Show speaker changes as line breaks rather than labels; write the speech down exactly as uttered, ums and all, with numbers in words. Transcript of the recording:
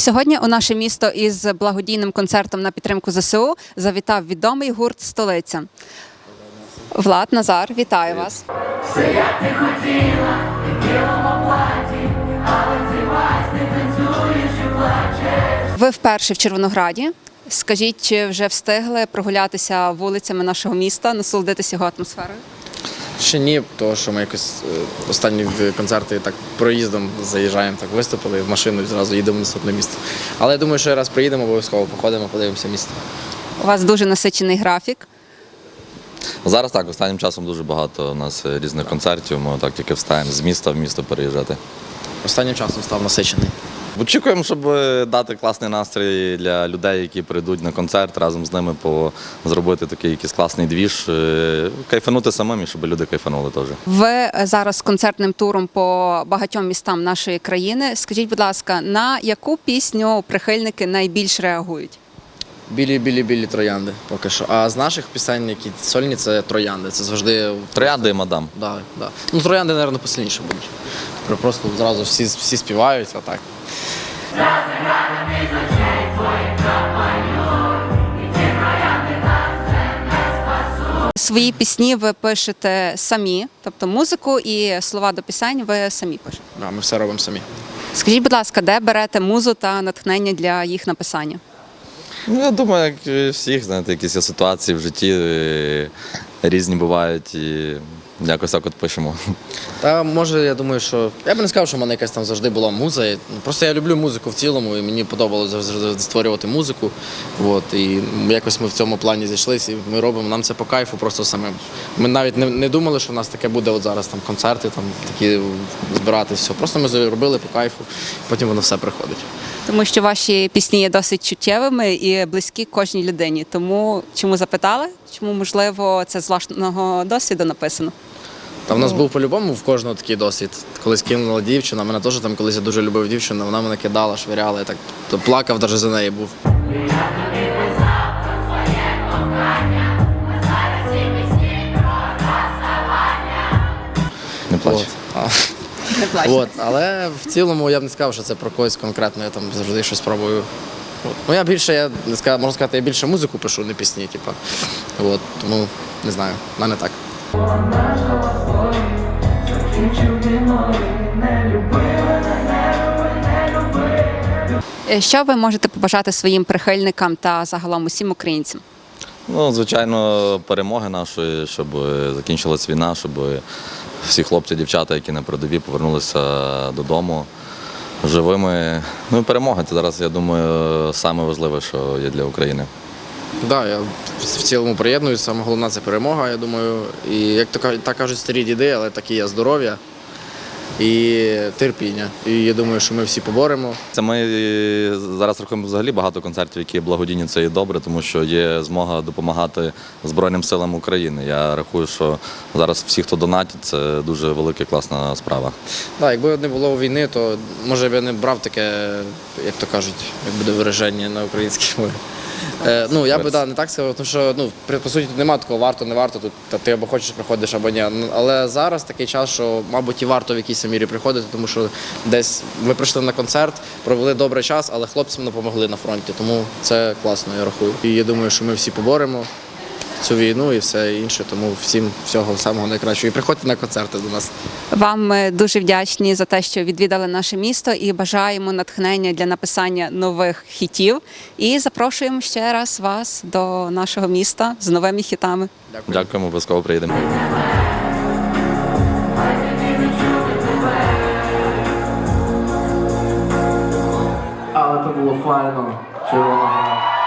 Сьогодні у наше місто із благодійним концертом на підтримку зе се у завітав відомий гурт «Столиця». Влад, Назар, вітаю вас.
Все як ти хотіла, ти в білому платі, але цей вальс ти танцюєш і плачеш.
Ви вперше в Червонограді. Скажіть, чи вже встигли прогулятися вулицями нашого міста, насолодитися його атмосферою?
Ще ні, тому що ми якось е, останні концерти так проїздом заїжджаємо, так виступили в машину і зразу їдемо в наступне місто. Але я думаю, що раз приїдемо, обов'язково походимо, подивимося місто.
У вас дуже насичений графік.
Зараз так, останнім часом дуже багато у нас різних концертів, ми так тільки встаємо з міста в місто переїжджати.
Останнім часом став насичений.
Очікуємо, щоб дати класний настрій для людей, які прийдуть на концерт, разом з ними по зробити такий якийсь класний двіж, кайфанути самим і щоб люди кайфанули теж.
Ви зараз з концертним туром по багатьом містам нашої країни. Скажіть, будь ласка, на яку пісню прихильники найбільш реагують?
Білі-білі-білі троянди поки що. А з наших пісень, які сольні, це троянди. Це завжди...
Троянди і мадам.
Да, да. Ну, троянди, мабуть, посильніше будуть. Просто зразу всі, всі співають, а так.
Свої пісні ви пишете самі, тобто музику і слова до пісень ви самі пишете.
Да, ми все робимо самі.
Скажіть, будь ласка, де берете музу та натхнення для їх написання?
Ну, я думаю, як і всіх, знаєте, якісь є ситуації в житті е, різні бувають і якось так от пишемо.
Та може, я думаю, що я б не сказав, що в мене якась там завжди була муза. Я- Просто я люблю музику в цілому, і мені подобалося завжди створювати музику. От, і якось ми в цьому плані зійшлися, і ми робимо. Нам це по кайфу просто самим. Ми навіть не, не думали, що в нас таке буде от зараз там концерти, там такі збирати все. Просто ми зробили по кайфу, потім воно все приходить.
Тому що ваші пісні є досить чуттєвими і близькі кожній людині. Тому чому запитали? Чому, можливо, це з власного досвіду написано?
Та в нас був по-любому в кожного такий досвід. Колись кинула дівчина, мене теж там колись я дуже любив дівчину, вона мене кидала, швиряла, я так то плакав навіть за неї був.
Не плач.
От. А,
Не плачте.
От. Але в цілому я б не сказав, що це про когось конкретно, я там завжди щось пробую. От. Ну я більше, я не сказав, можна сказати, я більше музику пишу, не пісні, типу. От. Тому не знаю, в мене так.
Е, Що ви можете побажати своїм прихильникам та загалом усім українцям?
Ну, звичайно, перемоги нашої, щоб закінчилась війна, щоб всі хлопці, дівчата, які на передовій, повернулися додому живими. Ну і перемога – це зараз, я думаю, саме важливе, що є для України.
Так, да, я в цілому приєднуюся, саме головне це перемога, я думаю. І як то кажуть, так кажуть старі діди, але такі є здоров'я і терпіння. І я думаю, що ми всі поборемо.
Це ми зараз рахуємо взагалі багато концертів, які благодійні, це і добре, тому що є змога допомагати Збройним силам України. Я рахую, що зараз всі, хто донатить, це дуже велика, класна справа.
Да, якби не було війни, то може б я не брав таке, як то кажуть, як буде вираження на українській мові. Е, ну, я би да, не так сказав, тому що ну, при- по суті тут немає такого варто, не варто, тут та ти або хочеш приходиш, або ні. Ну, але зараз такий час, що, мабуть, і варто в якійсь мірі приходити, тому що десь ви прийшли на концерт, провели добрий час, але хлопцям допомогли на фронті, тому це класно, я рахую. І я думаю, що ми всі поборемо цю війну і все інше, тому всім всього самого найкращого. І приходьте на концерти до нас.
Вам ми дуже вдячні за те, що відвідали наше місто, і бажаємо натхнення для написання нових хітів. І запрошуємо ще раз вас до нашого міста з новими хітами.
Дякую.
Дякуємо, обов'язково приїдемо.
Але то було файно, червона гра.